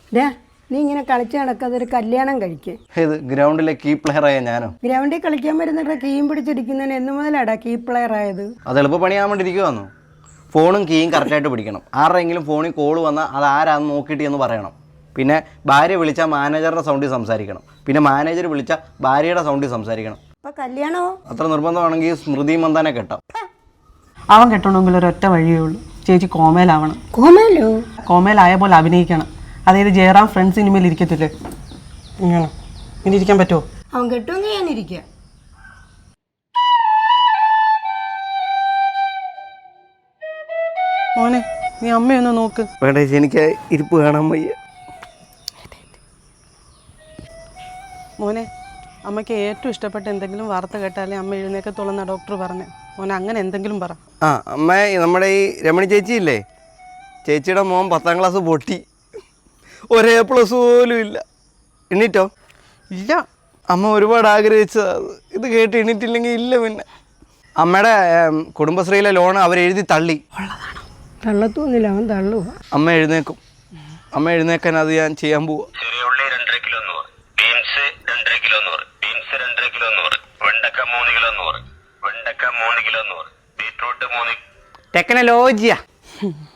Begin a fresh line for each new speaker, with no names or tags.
നീ ഇങ്ങനെ കളിച്ച് നടക്കാതെ ഒരു കല്യാണം കഴിക്കേ.
ഇത് ഗ്രൗണ്ടിലെ കീ പ്ലെയർ ആയ ഞാനോ?
ഗ്രൗണ്ടിൽ കളിക്കാൻ വരുന്നിട്ട് കീയും പിടിച്ചിരിക്കുന്നതിന് എന്ന് മുതലാടാ കീ പ്ലെയർ ആയത്?
അത് എളുപ്പ പണിയാൻ വേണ്ടിയിരിക്കുവാന്നു. ഫോണും കീയും കറക്റ്റായിട്ട് പിടിക്കണം. ആരുടെയെങ്കിലും ഫോണിൽ കോൾ വന്നാൽ അത് ആരാന്ന് നോക്കിയിട്ട് എന്ന് പറയണം. പിന്നെ ഭാര്യ വിളിച്ചാൽ മാനേജറുടെ സൗണ്ടിൽ സംസാരിക്കണം. പിന്നെ മാനേജർ വിളിച്ചാൽ ഭാര്യയുടെ സൗണ്ടിൽ സംസാരിക്കണം.
അപ്പൊ കല്യാണമോ?
അത്ര നിർബന്ധമാണെങ്കിൽ സ്മൃതി മന്ദാനെ കെട്ടാം.
അവൻ കെട്ടണമെങ്കിൽ ഒരൊറ്റ വഴിയേ ഉള്ളൂ. ചേച്ചി കോമയിലാവണം.
കോമയിലോ?
കോമയിലായ പോലെ അഭിനയിക്കണം. അതായത് ജയറാം ഫ്രണ്ട്സ് ഇനിമേൽ ഇരിക്കത്തില്ലേ, ഇങ്ങനെ ഇനി ഇരിക്കാൻ പറ്റുമോ?
അവൻ കെട്ടുമെങ്കിൽ ഞാനിരിക്കുക.
മോനെ നീ അമ്മയൊന്ന് നോക്ക്.
വേണ്ട ചേച്ചി, എനിക്ക് ഇരിപ്പ് കാണാൻ വയ്യ.
മോനെ അമ്മയ്ക്ക് ഏറ്റവും ഇഷ്ടപ്പെട്ട എന്തെങ്കിലും വാർത്ത കേട്ടാലേ അമ്മ എഴുന്നേക്കത്തുള്ളെന്ന ഡോക്ടർ പറഞ്ഞു. മോനെ അങ്ങനെ എന്തെങ്കിലും പറ.
അമ്മ, നമ്മുടെ ഈ രമണി ചേച്ചി ഇല്ലേ, ചേച്ചിയുടെ മോൻ 10ാം ക്ലാസ് പൊട്ടി. ഒരേ പ്ലസ് പോലും ഇല്ല. എണ്ണീറ്റോ?
ഇല്ല.
അമ്മ ഒരുപാട് ആഗ്രഹിച്ചത് ഇത് കേട്ട് എണ്ണീറ്റില്ലെങ്കിൽ ഇല്ല. പിന്നെ അമ്മയുടെ കുടുംബശ്രീയിലെ ലോൺ അവരെഴുതി തള്ളി.
തള്ളത്തൊന്നുമില്ല, അവൻ തള്ളുക.
അമ്മ എഴുന്നേക്കും. അമ്മ എഴുന്നേക്കാൻ അത് ഞാൻ ചെയ്യാൻ പോവാ.
ചെറിയ ഉള്ളി 2.5 kilo 100, beans 2.5 kilo 100, beans 2.5 kilo 100, വെണ്ടക്ക 3 കിലോ 100, വെണ്ടക്ക 3 കിലോ 100, ബീട്രൂട്ട് 3.
ടെക്നോളജിയാ.